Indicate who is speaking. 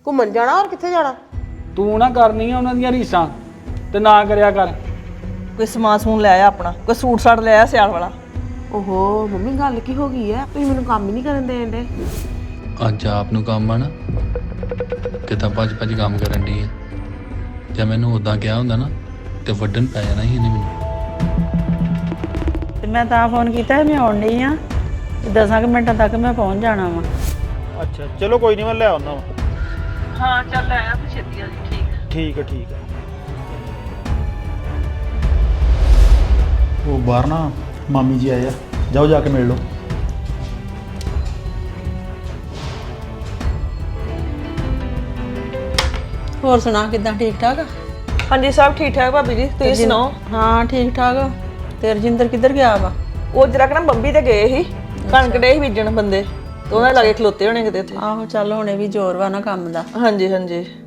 Speaker 1: ਘੁੰਮਣ ਜਾਣਾ ਹੋਰ ਕਿੱਥੇ ਜਾਣਾ?
Speaker 2: ਤੂੰ ਨਾ ਕਰਨੀ ਆ ਉਹਨਾਂ ਦੀਆਂ ਰੀਸਾਂ ਤੇ ਨਾ ਕਰਿਆ ਕਰ।
Speaker 3: ਕੋਈ ਸਮਾਨ ਸਮੂਨ ਲੈ ਆ ਆਪਣਾ, ਕੋਈ ਸੂਟ ਸਾਟ ਲੈ ਆ ਸਿਆਲ ਵਾਲਾ।
Speaker 1: ਓਹੋ ਮੰਮੀ ਗੱਲ ਕੀ ਹੋ ਗਈ ਹੈ? ਤੁਸੀਂ ਮੈਨੂੰ ਕੰਮ ਹੀ ਨਹੀਂ ਕਰਨ ਦੇਣ ਦੇ।
Speaker 4: ਅੱਜ ਆਪ ਨੂੰ ਕੰਮ ਆ ਨਾ, ਕਿਤਾ ਭੱਜ ਕੰਮ ਕਰਨ ਦੀ ਹੈ। ਜੇ ਮੈਨੂੰ ਉਦਾਂ ਕਿਹਾ ਹੁੰਦਾ ਨਾ ਤੇ ਵੱਢਣ ਪੈ ਜਾਣਾ ਸੀ ਇਹਨੇ ਮੈਨੂੰ।
Speaker 5: ਤੇ ਮੈਂ ਤਾਂ ਫੋਨ ਕੀਤਾ ਮੈਂ ਆਉਣ ਡਈ ਆ, 10 ਮਿੰਟਾਂ ਤੱਕ ਮੈਂ ਪਹੁੰਚ ਜਾਣਾ ਵਾ।
Speaker 6: ਅੱਛਾ ਚਲੋ ਕੋਈ ਨਹੀਂ, ਮੈਂ ਲੈ ਆਉਣਾ ਵਾ।
Speaker 3: ਹਾਂ ਚੱਲ ਆਇਆ ਤੂੰ ਛੇਤੀ ਆ ਜੀ।
Speaker 6: ਠੀਕ ਹੈ ਠੀਕ ਹੈ। ਉਹ ਬਾਹਰ ਨਾ ਮਾਮੀ ਜੀ ਆਏ ਆ, ਜਾਓ ਜਾ ਕੇ ਮਿਲ ਲਓ।
Speaker 5: ਹੋਰ ਸੁਣਾ ਕਿੱਦਾਂ, ਠੀਕ ਠਾਕ?
Speaker 3: ਹਾਂਜੀ ਸਭ ਠੀਕ ਠਾਕ ਭਾਬੀ ਜੀ, ਤੁਸੀਂ ਸੁਣਾਓ?
Speaker 5: ਹਾਂ ਠੀਕ ਠਾਕ। ਤੇ ਰਜਿੰਦਰ ਕਿੱਧਰ ਗਿਆ ਵਾ?
Speaker 3: ਉਹ ਜਰਾ ਨਾ ਬੰਬੀ ਤੇ ਗਏ ਸੀ, ਕਣਕ ਡੇ ਸੀ ਬੀਜਣ ਬੰਦੇ, ਤੇ ਉਹਨਾਂ ਲਾਗੇ ਖਲੋਤੇ ਹੋਣੇ ਕਿਤੇ ਉੱਥੇ।
Speaker 5: ਆਹੋ ਚੱਲ ਹੁਣੇ ਵੀ ਜ਼ੋਰ ਵਾ ਨਾ ਕੰਮ ਦਾ।
Speaker 3: ਹਾਂਜੀ ਹਾਂਜੀ।